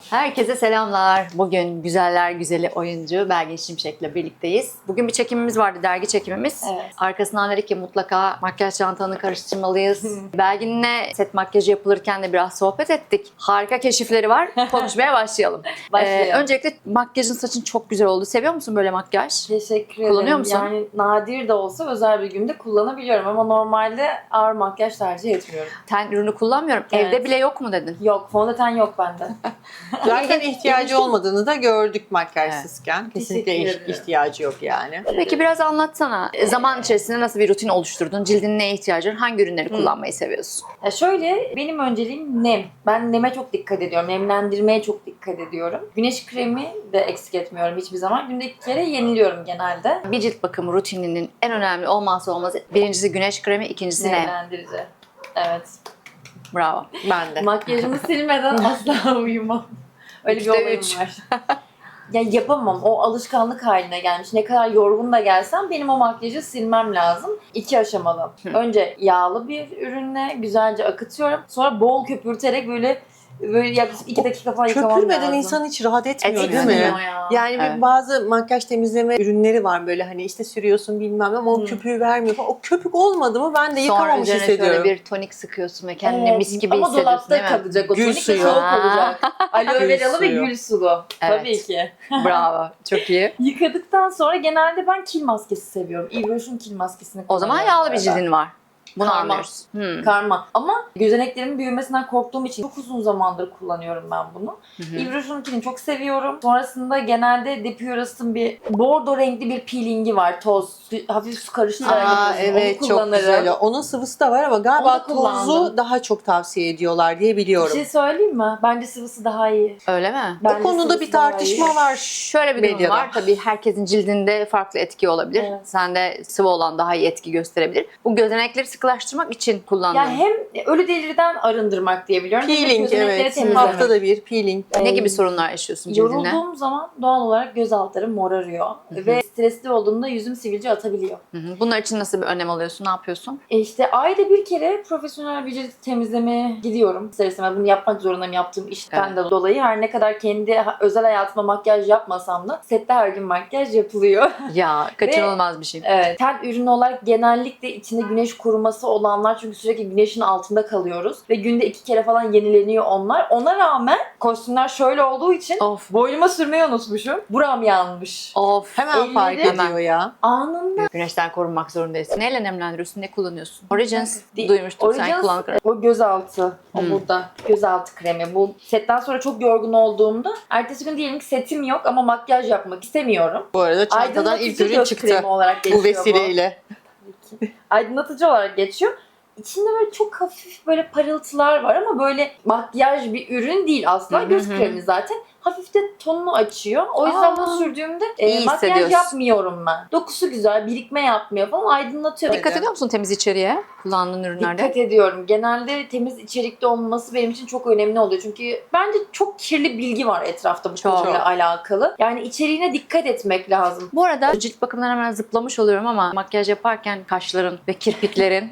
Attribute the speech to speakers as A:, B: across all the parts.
A: Herkese selamlar. Bugün güzeller güzeli oyuncu Belgin Şimşek'le birlikteyiz. Bugün bir çekimimiz vardı, dergi çekimimiz.
B: Evet.
A: Arkasından dedik ki mutlaka makyaj çantanı karıştırmalıyız. Belgin'le set makyajı yapılırken de biraz sohbet ettik. Harika keşifleri var. Konuşmaya başlayalım.
B: Başlayalım.
A: Öncelikle makyajın, saçın çok güzel oldu. Seviyor musun böyle makyaj?
B: Teşekkür ederim.
A: Kullanıyor musun?
B: Yani nadir de olsa özel bir günde kullanabiliyorum ama normalde ağır makyaj tercih etmiyorum.
A: Ten ürünü kullanmıyorum.
B: Evet.
A: Evde bile yok mu dedin?
B: Yok, fondöten yok bende.
C: Zaten ihtiyacı olmadığını da gördük makyajsızken. Kesinlikle
B: Teşekkür ederim.
C: ihtiyacı yok yani.
A: Peki biraz anlatsana. Zaman içerisinde nasıl bir rutin oluşturdun? Cildin neye ihtiyacı var? Hangi ürünleri kullanmayı seviyorsun?
B: Ya şöyle, benim önceliğim nem. Ben neme çok dikkat ediyorum. Nemlendirmeye çok dikkat ediyorum. Güneş kremi de eksik etmiyorum hiçbir zaman. Günde 2 kere yeniliyorum genelde.
A: Bir cilt bakımı rutininin en önemli olmazsa olmazı birincisi güneş kremi, ikincisi ne?
B: Nemlendirici. Evet.
A: Bravo.
C: Ben de.
B: Makyajımı silmeden asla uyumam. Öyle bir
A: Üçte
B: olayım
A: üç.
B: var. Ya yapamam. O alışkanlık haline gelmiş. Ne kadar yorgun da gelsem benim o makyajı silmem lazım. 2 aşamalı. Önce yağlı bir ürünle güzelce akıtıyorum. Sonra bol köpürterek böyle yaklaşık 2 dakika falan yıkamam
C: Köpürmeden
B: lazım.
C: insan hiç rahat etmiyor değil
A: Etmiyor
C: mi?
B: ya.
C: Yani
A: Evet.
C: bazı makyaj temizleme ürünleri var böyle hani işte sürüyorsun bilmem ne ama o köpüğü vermiyor falan. O köpük olmadı mı ben de
A: Sonra
C: yıkamamış
A: üzerine şöyle
C: hissediyorum.
A: bir tonik sıkıyorsun ve kendini
B: Evet.
A: mis gibi
B: ama
A: hissediyorsun değil
B: dolapta
A: mi?
B: kalacak o
C: Gül
B: tonik ve
C: suyu.
B: soğuk olacak. Aloe
C: Gül
B: veralı ve
C: suyu.
B: gül sulu.
A: Evet.
B: Tabii ki.
A: Bravo. Çok iyi.
B: Yıkadıktan sonra genelde ben kil maskesi seviyorum. Yves Rocher'ın kil maskesini
A: O zaman
B: kullanıyorum
A: yağlı bir
B: bu arada.
A: cildin var. Bunu
B: Karma.
A: anlıyoruz.
B: Karma. Ama gözeneklerimin büyümesinden korktuğum için çok uzun zamandır kullanıyorum ben bunu. Yves Rocher'ınkini çok seviyorum. Sonrasında genelde De Purist'in bir bordo renkli bir peelingi var. Toz. Hafif su karıştırarak
C: Aa,
B: yapıyorsun.
C: evet
B: Onu
C: çok
B: kullanırım.
C: güzel. Onun sıvısı da var ama
B: Onu
C: galiba
B: da kullandım.
C: tozu daha çok tavsiye ediyorlar diye
B: Bir
C: biliyorum.
B: şey söyleyeyim mi? Bence sıvısı daha iyi.
A: Öyle mi?
B: Bence
C: O konuda
B: sıvısı
C: bir
B: daha
C: tartışma
B: iyi.
C: var.
A: Şöyle bir durum
C: Medyada.
A: var. Tabii herkesin cildinde farklı etki olabilir.
B: Evet.
A: Sende sıvı olan daha iyi etki gösterebilir. Bu gözenekleri sıkılaştırmak için kullandığım.
B: Ya hem ölü delirden arındırmak diye biliyorum. hem de
C: Peeling
B: gözenekleri
C: evet.
B: temizlemek.
C: Haftada bir peeling.
A: Ne gibi sorunlar yaşıyorsun cildinde?
B: Yorulduğum zaman doğal olarak göz altlarım morarıyor. Ve stresli olduğumda yüzüm sivilce atabiliyor.
A: Bunlar için nasıl bir önlem alıyorsun? Ne yapıyorsun?
B: İşte ayda bir kere profesyonel bir cilt temizlemeye gidiyorum. İster istemez bunu yapmak zorundayım yaptığım işten de dolayı. Her ne kadar kendi özel hayatıma makyaj yapmasam da sette her gün makyaj yapılıyor.
A: Ya kaçınılmaz bir şey.
B: Evet. Ten ürünü olarak genellikle içinde güneş koruması olanlar, çünkü sürekli güneşin altında kalıyoruz. Ve günde 2 kere falan yenileniyor onlar. Ona rağmen kostümler şöyle olduğu için
A: Of.
B: boynuma sürmeyi unutmuşum. Buram yanmış.
A: Of.
C: Hemen fark
B: Elleri-
C: ediyor ya.
B: Anında
A: Güneşten korunmak zorundayız. Neyle nemlendiriyorsun? Ne kullanıyorsun? Origins
B: Di-
A: duymuştum sen
B: Origins,
A: kullanırken.
B: o gözaltı. O burada. Gözaltı kremi. Bu setten sonra çok yorgun olduğumda ertesi gün diyelim ki setim yok ama makyaj yapmak istemiyorum.
C: Bu arada çantadan
B: Aydınlatıcı
C: ilk ürün
B: göz
C: çıktı.
B: kremi olarak geçiyor
C: Bu vesileyle.
B: Aydınlatıcı olarak geçiyor. İçinde böyle çok hafif böyle parıltılar var ama böyle makyaj bir ürün değil asla. Göz kremi zaten. Hafif de tonunu açıyor. O yüzden bunu sürdüğümde
A: İyi
B: makyaj
A: hissediyorsun.
B: yapmıyorum ben. Dokusu güzel, birikme yapmıyor falan, aydınlatıyor.
A: Dikkat ediyor musun temiz içeriğe kullandığın ürünlerde?
B: Dikkat ediyorum. Genelde temiz içerikli olması benim için çok önemli oluyor. Çünkü bence çok kirli bilgi var etrafta bu
A: Çok.
B: konuyla alakalı. Yani içeriğine dikkat etmek lazım.
A: Bu arada cilt bakımından hemen zıplamış oluyorum ama makyaj yaparken kaşların ve kirpiklerin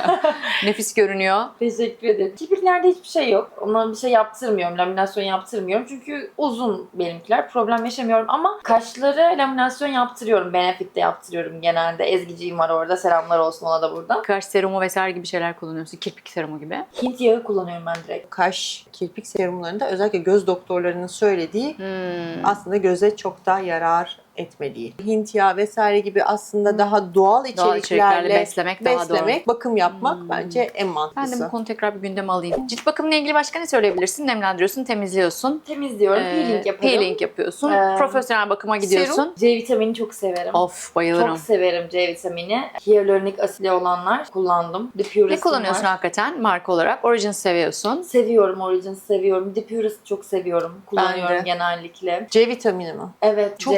A: nefis görünüyor.
B: Teşekkür ederim. Kirpiklerde hiçbir şey yok. Ona bir şey yaptırmıyorum. Laminasyon yaptırmıyorum. Çünkü uzun benimkiler. Problem yaşamıyorum ama kaşları laminasyon yaptırıyorum. Benefit'te yaptırıyorum genelde. Ezgiciğim var orada. Selamlar olsun ona da buradan.
A: Kaş serumu vesaire gibi şeyler kullanıyorsun. Kirpik serumu gibi.
B: Hint yağı kullanıyorum ben direkt.
C: Kaş, kirpik serumlarında özellikle göz doktorlarının söylediği aslında göze çok da yarar etmediği. Hint yağı vesaire gibi aslında daha doğal
A: içeriklerle
C: içeriklerle
A: beslemek daha doğru.
C: bakım yapmak bence en
A: Ben de
C: mantıklısı.
A: bu konu tekrar bir gündeme alayım. Cilt bakımıyla ilgili başka ne söyleyebilirsin? Nemlendiriyorsun, temizliyorsun.
B: Temizliyorum. Peeling yaparım.
A: Peeling yapıyorsun. Profesyonel bakıma gidiyorsun.
C: Serum.
B: C vitamini çok severim.
A: Of, bayılırım.
B: Çok severim C vitamini. Hyaluronik asitli olanlar kullandım. De Purist'in
A: Ne kullanıyorsun
B: var.
A: hakikaten marka olarak? Origins seviyorsun.
B: Seviyorum Origins, seviyorum. De Purist çok seviyorum. Kullanıyorum
C: Ben de.
B: genellikle.
C: C vitamini mi?
B: Evet.
C: Çok
B: C
C: iyi ya.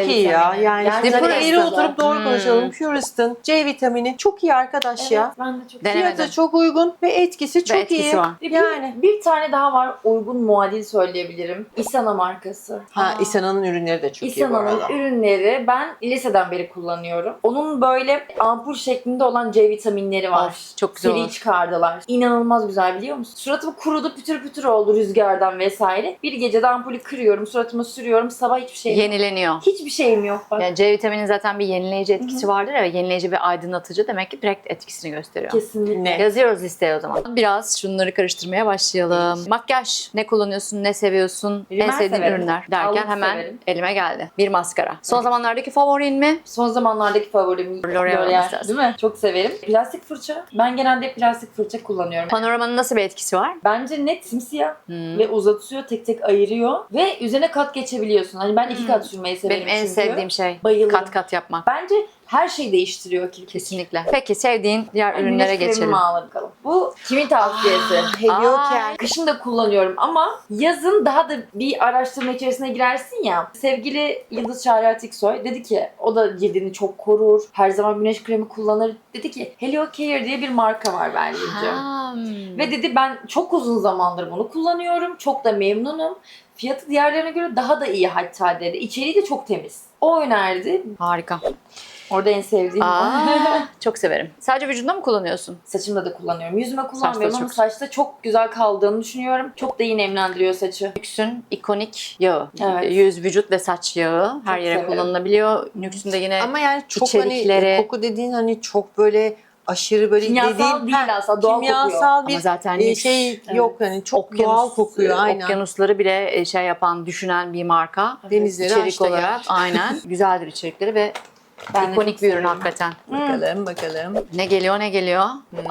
C: Yani
B: Gerçekten
C: şimdi eğri
B: öyle.
C: oturup doğru konuşalım. Pure'st'ın C vitamini çok iyi arkadaş ya.
B: Evet, ben de çok
A: Denemedim.
C: Fiyatı çok uygun ve etkisi çok
A: etkisi
C: iyi.
A: var.
C: Yani.
B: Bir tane daha var, uygun muadil söyleyebilirim. Isana markası.
C: İsana'nın ürünleri de çok iyi bu
B: Isana'nın
C: arada.
B: ürünleri ben liseden beri kullanıyorum. Onun böyle ampul şeklinde olan C vitaminleri var.
A: Of, çok güzel
B: Seri
A: olur.
B: çıkardılar. İnanılmaz güzel, biliyor musun? Suratım kurudu, pütür pütür oldu rüzgardan vesaire. Bir gecede ampulü kırıyorum, suratıma sürüyorum. Sabah hiçbir şeyim yok.
A: Yenileniyor.
B: Hiçbir şeyim yok bak.
A: Yani C vitaminin zaten bir yenileyici etkisi vardır ya, ve yenileyici ve aydınlatıcı, demek ki direkt etkisini gösteriyor.
B: Kesinlikle.
C: Ne?
A: Yazıyoruz listeye o zaman. Biraz şunları karıştırmaya başlayalım. Makyaj. Ne kullanıyorsun, ne seviyorsun, en
B: Rimel
A: sevdiğin
B: severim.
A: ürünler derken
B: Allık
A: hemen
B: severim.
A: elime geldi. Bir maskara. Son zamanlardaki favorin mi?
B: Son zamanlardaki favorim
A: L'Oreal
B: L'Oreal,
A: olması lazım.
B: değil mi? Çok severim. Plastik fırça. Ben genelde plastik fırça kullanıyorum.
A: Panoramanın nasıl bir etkisi var?
B: Bence net simsiyah
A: Hmm.
B: ve uzatıyor, tek tek ayırıyor ve üzerine kat geçebiliyorsun. Hani ben iki kat sürmeyi severim
A: Benim en
B: çünkü.
A: sevdiğim şey
B: Bayılırım.
A: kat kat yapmak.
B: Bence her şeyi değiştiriyor kirpik.
A: Kesinlikle. Peki sevdiğin diğer
B: Güneş
A: ürünlere
B: kremimi
A: geçelim.
B: al bakalım. Bu kimin tavsiyesi?
C: Helioken.
B: Kışın da kullanıyorum ama yazın daha da bir araştırma içerisine girersin ya. Sevgili Yıldız Çağrı Atiksoy dedi ki, o da cildini çok korur, her zaman güneş kremi kullanır. Dedi ki Heliocare diye bir marka var bence. Ve dedi ben çok uzun zamandır bunu kullanıyorum. Çok da memnunum. Fiyatı diğerlerine göre daha da iyi hatta dedi. İçeriği de çok temiz. O önerdi.
A: Harika.
B: Orada en sevdiğim
A: Çok severim. Sadece vücudunda mı kullanıyorsun?
B: Saçımda da kullanıyorum. Yüzüme kullanmıyorum
A: Saçta
B: ama
A: çok-
B: saçta çok güzel kaldığını düşünüyorum. Çok da iyi nemlendiriyor saçı.
A: Nüks'ün ikonik yağı.
B: Evet.
A: Yüz, vücut ve saç yağı. Her
B: Çok
A: yere
B: severim.
A: kullanılabiliyor. Nüks'ün de yine
C: Ama yani çok
A: İçerikleri-
C: hani koku dediğin hani çok böyle aşırı böyle
B: Kimyasal
C: dediğin
B: değil aslında, doğal
C: kimyasal bir
A: ama zaten
C: şey
B: Evet.
C: yok hani çok doğal kokuyor aynen.
A: Okyanusları bile şey yapan, düşünen bir marka.
C: Denizleri
A: İçerik
C: aşta yer.
A: olarak aynen. Güzeldir içerikleri ve
B: Ben de
A: ikonik
B: çok
A: bir ürün
B: seviyorum.
A: hakikaten.
C: Bakalım.
A: Ne geliyor ne geliyor?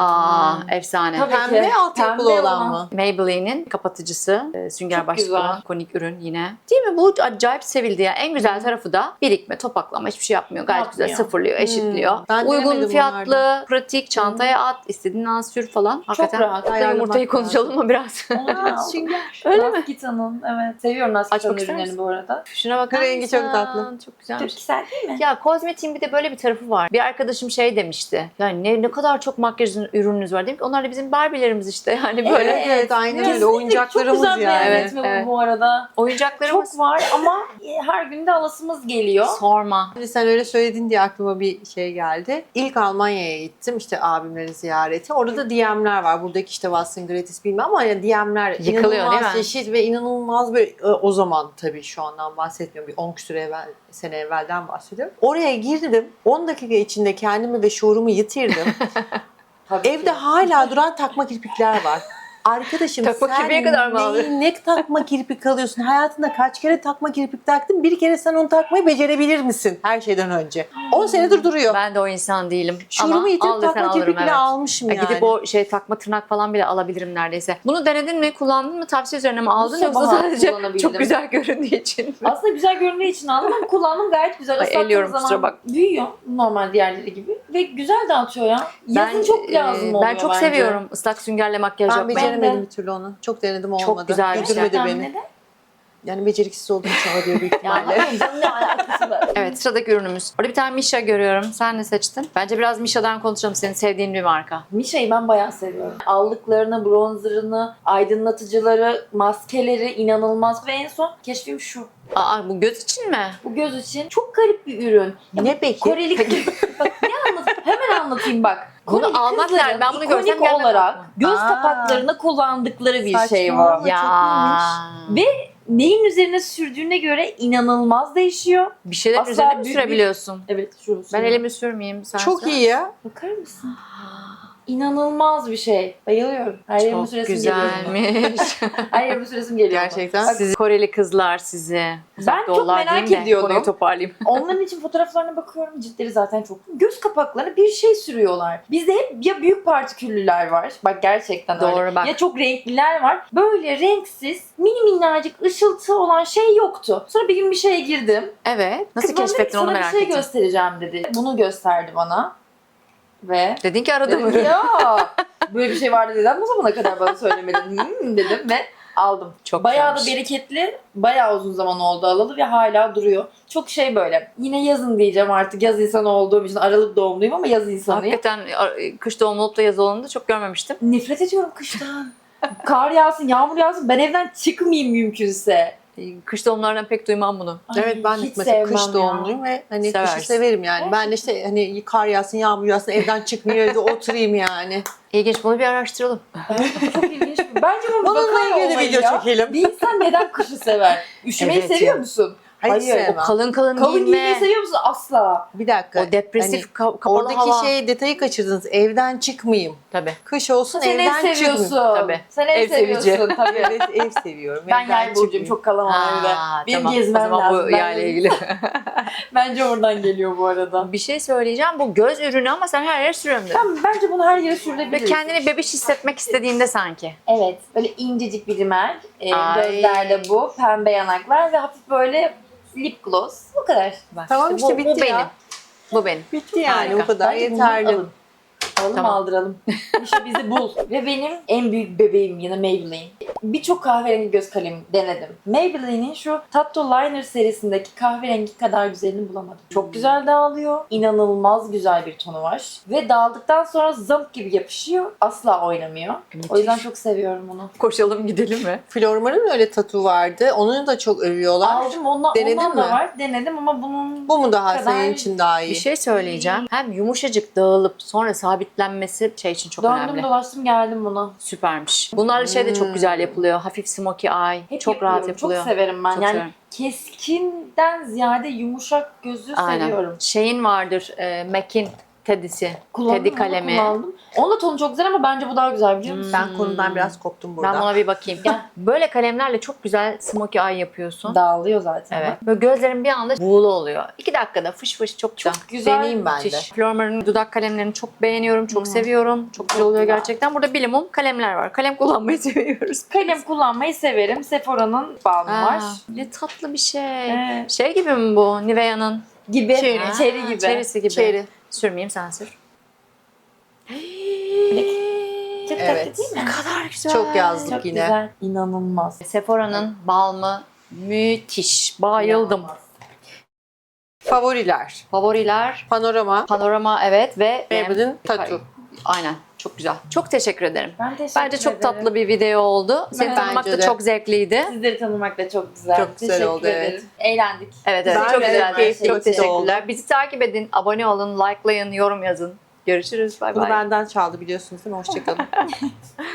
A: Efsane.
B: Tabii.
C: Pembe
B: Peki.
C: altyapılı
B: Pembe
C: olan
B: olan.
C: mı?
A: Maybelline'in kapatıcısı, sünger
B: Çok
A: başlıklı
B: güzel.
A: olan ikonik ürün yine. Değil mi? Bu acayip sevildi ya. En güzel tarafı da birikme, topaklama, hiçbir şey yapmıyor. Gayet güzel
B: Yapmıyor.
A: sıfırlıyor, eşitliyor.
C: Ben
A: Uygun
C: denemedim
A: fiyatlı,
C: bunlardan.
A: pratik, çantaya at, istediğin an sür falan. Hakikaten.
B: rahat.
A: Hatta
C: Ayarlamak
A: yumurtayı
C: lazım.
A: konuşalım mı biraz?
C: Sünger.
A: Öyle mi?
B: Naskita'nın, evet. Seviyorum Naskita'nın
A: Açmak ister
B: ürünlerini
A: misin?
B: bu arada.
A: Şuna bakar
C: Rengi
A: mısın?
C: çok tatlı.
A: Çok güzelmiş.
B: Çok güzel değil mi?
A: Ya kozmetiğin bir de böyle bir tarafı var. Bir arkadaşım şey demişti. Yani ne kadar çok makyaj ürününüz var. Dedim ki onlar da bizim Barbie'lerimiz işte. Yani böyle
C: Evet aynen öyle
B: Kesinlikle
C: oyuncaklarımız
B: çok güzel
C: yani.
B: benzetme
A: Evet,
B: bu arada.
A: oyuncaklarımız.
B: Çok var ama her gün de alasımız geliyor.
A: Sorma.
C: Şimdi sen öyle söyledin diye aklıma bir şey geldi. İlk Almanya'ya gittim işte abimlerin ziyareti. Orada da DM'ler var. Buradaki işte Watson Gratis bilmem ama ya DM'ler
A: Yıkılıyor,
C: inanılmaz
A: değil mi?
C: çeşit ve inanılmaz böyle o zaman tabii şu andan bahsetmiyorum. Bir 10 küsur sene evvelden bahsediyorum. Oraya girdim. 10 dakika içinde kendimi ve şuurumu yitirdim.
B: Tabii
C: Evde
B: ki.
C: hala duran takma kirpikler var. Arkadaşım
A: Takma
C: sen
A: kirpiğe kadar mı alıyorsun?
C: ne takma kirpik alıyorsun? Hayatında kaç kere takma kirpik taktın? Bir kere sen onu takmayı becerebilir misin her şeyden önce? 10 senedir duruyor.
A: Ben de o insan değilim.
C: Şurumu
A: Ama
C: yitirip
A: al desen
C: takma
A: alırım,
C: kirpik bile
A: evet.
C: almışım yani.
A: Gidip o şey takma tırnak falan bile alabilirim neredeyse. Bunu denedin mi? Kullandın mı? Tavsiye üzerine mi aldın? Yoksa
B: sabah
A: sadece
B: kullanabildim.
A: çok güzel göründüğü için mi?
B: Aslında güzel göründüğü için aldım ama kullandım, gayet güzel.
A: Ay,
B: Islattığım
A: elliyorum, kusura
B: zaman
A: bak.
B: büyüyor normal diğerleri gibi. Ve güzel dağıtıyor ya. Yazın çok lazım oluyor
A: Ben çok
B: bence.
A: seviyorum ıslak süngerle makyaj
C: Ben
A: yapmayı.
C: beceremedim
B: de.
C: bir türlü onu. Çok denedim olmadı.
A: Çok güzel bir şey.
C: Güldürmedi
B: Gerçekten
C: beni.
B: neden?
C: Yani beceriksiz olduğum için alıyor büyük
B: Ya
C: ihtimalle.
B: hayır canım, ne alakası var?
A: Evet, sıradaki ürünümüz. Orada bir tane Misha görüyorum. Sen ne seçtin? Bence biraz Misha'dan konuşalım. Senin sevdiğin bir marka.
B: Misha'yı ben bayağı seviyorum. Allıklarını, bronzerını, aydınlatıcıları, maskeleri inanılmaz. Ve en son keşfim şu.
A: Aa, bu göz için mi?
B: Bu göz için çok garip bir ürün.
C: Ne peki?
B: Koreli bak ne anlatayım? Hemen anlatayım bak.
A: Bunu
B: Koreli
A: almak
B: kızların
A: nerede? Ben bunu
B: ikonik
A: görsem gelmem
B: olarak
A: aklıma.
B: göz
C: Aa.
B: kapaklarına kullandıkları bir şey var.
C: Saçmalama. Çok iyiymiş.
B: Ve neyin üzerine sürdüğüne göre inanılmaz değişiyor.
A: Bir şeyler
B: Asla
A: üzerine mi
B: büyük
A: sürebiliyorsun?
B: Evet şurası.
A: Ben elimi sürmeyeyim. Sen
C: Çok
A: sür.
C: iyi ya.
B: Bakar mısın? İnanılmaz bir şey. Bayılıyorum. Her yerime
A: Çok
B: süresim geliyor. buna.
A: güzelmiş.
B: Her yerime süresim geliyor. buna.
C: Gerçekten.
B: Bak,
A: Sizi Koreli kızlar sizi. Uzak
B: çok
A: doğular
B: merak
A: diyeyim de
B: ediyordum.
A: Konuyu toparlayayım.
B: onların için fotoğraflarına bakıyorum. Ciltleri zaten çok. Göz kapaklarına bir şey sürüyorlar. Bizde hep ya büyük partiküllüler var. Bak gerçekten
A: Doğru,
B: öyle.
A: bak.
B: Ya çok renkliler var. Böyle renksiz, mini minnacık ışıltı olan şey yoktu. Sonra bir gün bir şeye girdim.
A: Evet. Nasıl
B: Kız bana dedi ki,
A: keşfettin onu
B: sana
A: merak
B: bir şey
A: ettim.
B: göstereceğim dedi. Bunu gösterdi bana. Ve
A: Dedin ki aradım
B: dedim ki ya böyle bir şey vardı dedim. O zamana kadar bana söylemedin dedim ve Aldım.
A: Çok
B: Bayağı da
A: güzelmiş.
B: bereketli. Bayağı uzun zaman oldu alalı ve hala duruyor. Çok şey böyle. Yine yazın diyeceğim artık. Yaz insanı olduğum için. Aralık doğumluyum ama yaz insanıyım.
A: Hakikaten kış doğumlu olup da yaz olanı da çok görmemiştim.
B: Nefret ediyorum kıştan. Kar yağsın, yağmur yağsın. Ben evden çıkmayayım mümkünse.
A: Kış doğumlardan pek duymam bunu.
B: Ay,
C: Evet, ben de
B: hiç
C: mesela
B: sevmem
C: kış
B: ya.
C: doğumluyum ve hani
A: Seversin.
C: kışı severim yani. Ben de işte hani kar yağsın, yağmur yağsın, evden çıkmayayım, evde oturayım yani.
A: İlginç, bunu bir araştıralım.
B: Bence çok ilginç. Bence bu
C: Bununla
B: bakar
C: ilgili
B: olmayı
C: video
B: ya.
C: çekelim.
B: Bir insan neden kışı sever? Üşümeyi
A: Evet
B: seviyor
A: ya.
B: musun?
C: Hayır,
B: Hayır,
C: sevmem.
A: Kalın kalın,
B: Kalın giymeyi
A: giyinme,
B: seviyor musun? Asla.
C: Bir dakika.
A: o depresif kapalı
C: Oradaki
A: hava.
C: detayı kaçırdınız. Evden çıkmayayım.
A: Tabii.
C: Kış olsun,
B: Sen ev
C: evden
B: seviyorsun.
C: çıkmayayım.
A: Tabii.
B: Sen ev,
A: Ev sevici.
B: seviyorsun tabii.
C: Evet, ev seviyorum.
B: Ben
C: evden
B: yay burcuyum,
C: çıkmayayım.
B: çok kalamam evde. Benim
A: tamam.
B: gezmem
A: O zaman
B: lazım.
A: bu
B: Ben
A: yayla
B: de-
A: ilgili.
B: Bence oradan geliyor bu arada.
A: Bir şey söyleyeceğim. Bu göz ürünü ama sen her yere sürüyorum dedin.
B: Tamam, bence bunu her yere
A: Ve
B: sürdürebiliriz.
A: kendini bebiş hissetmek istediğinde sanki.
B: Evet, böyle incecik bir rimel.
A: Ay.
B: Gözlerde bu, pembe yanaklar ve hafif böyle lip gloss. Bu kadar.
A: Bak,
C: Tamam işte,
A: bu
C: bitti
A: benim.
C: ya.
A: Bu benim.
C: Bitti yani,
A: Harika.
C: o kadar
B: Bence bunu
C: yeterli.
B: alın. Alalım
A: Tamam.
B: aldıralım. İşte bizi bul. Ve benim en büyük bebeğim yine Maybelline. Birçok kahverengi göz kalemi denedim. Maybelline'in şu Tattoo Liner serisindeki kahverengi kadar güzelini bulamadım. Çok güzel dağılıyor. İnanılmaz güzel bir tonu var. Ve dağıldıktan sonra zamp gibi yapışıyor. Asla oynamıyor. O yüzden çok seviyorum onu.
A: Koşalım gidelim mi?
C: Flormar'ın öyle tatu vardı. Onu da çok övüyorlar.
B: Aldım ondan,
C: Denedin
B: ondan da
C: mi?
B: var. Denedim ama bunun
C: Bu mu daha
B: kadar-
C: senin için daha iyi?
A: Bir şey söyleyeceğim. Hem yumuşacık dağılıp sonra sabitlenmesi şey için çok
B: döndüm
A: önemli.
B: dolaştım geldim buna.
A: Süpermiş. Bunlarla şey de çok güzel yapılıyor. Hafif smokey eye.
B: Hep
A: çok rahat
B: yapıyorum.
A: yapılıyor.
B: Çok severim ben.
A: Çok
B: yani
A: severim.
B: keskinden ziyade yumuşak gözü
A: Aynen.
B: seviyorum.
A: Şeyin vardır. MAC'in Teddy'si.
B: Kullandım,
A: Teddy
B: onu
A: kalemi.
B: kullandım. Onun da tonu çok güzel ama bence bu daha güzel biliyor musun?
C: Ben konudan biraz koptum burada.
A: Ben buna bir bakayım. Böyle kalemlerle çok güzel smokey eye yapıyorsun.
B: Dağılıyor zaten.
A: Evet. Böyle gözlerin bir anda buğulu oluyor. 2 dakikada fış fış çok güzel.
B: Güzel.
C: Deneyeyim ben de.
A: Müthiş. Flormar'ın dudak kalemlerini çok beğeniyorum, çok seviyorum. Çok güzel oluyor
B: güzel.
A: gerçekten. Burada bilimum kalemler var. Kalem kullanmayı seviyoruz.
B: Kalem kullanmayı severim. Sephora'nın balmı var.
A: Aa, ne tatlı bir şey.
B: Evet.
A: Şey gibi mi bu? Nivea'nın
B: Gibi.
C: Cherry.
B: Cherry gibi.
A: Cherry'si gibi.
C: Cherry.
A: Sürmeyeyim, sen sür.
B: Çok
C: Evet.
B: tatlı değil mi?
A: Ne kadar güzel.
C: Çok yazlık
B: Çok
C: yine.
B: güzel. İnanılmaz.
A: Sephora'nın balmı müthiş. Bayıldım.
B: İnanılmaz.
C: Favoriler.
A: Favoriler
C: Panorama.
A: Panorama, evet, ve
C: Maybelline Tattoo.
A: Aynen. Çok güzel. Çok teşekkür ederim.
B: Ben teşekkür
A: Bence çok
B: ederim.
A: tatlı bir video oldu. Seni
B: Bence
A: tanımak da
C: de.
A: çok zevkliydi.
B: Sizleri tanımak da çok güzel.
C: Çok güzel
B: Teşekkür
C: oldu,
B: ederim.
C: evet.
B: Eğlendik.
A: Evet, evet.
C: Ben
A: Çok
C: de
A: güzeldi.
C: keyifli
A: Çok
C: vakit
A: teşekkürler. Bizi takip edin, abone olun, likelayın, yorum yazın. Görüşürüz. Bay
C: Bunu
A: bay.
C: benden çaldı biliyorsunuz değil mi? Hoşçakalın.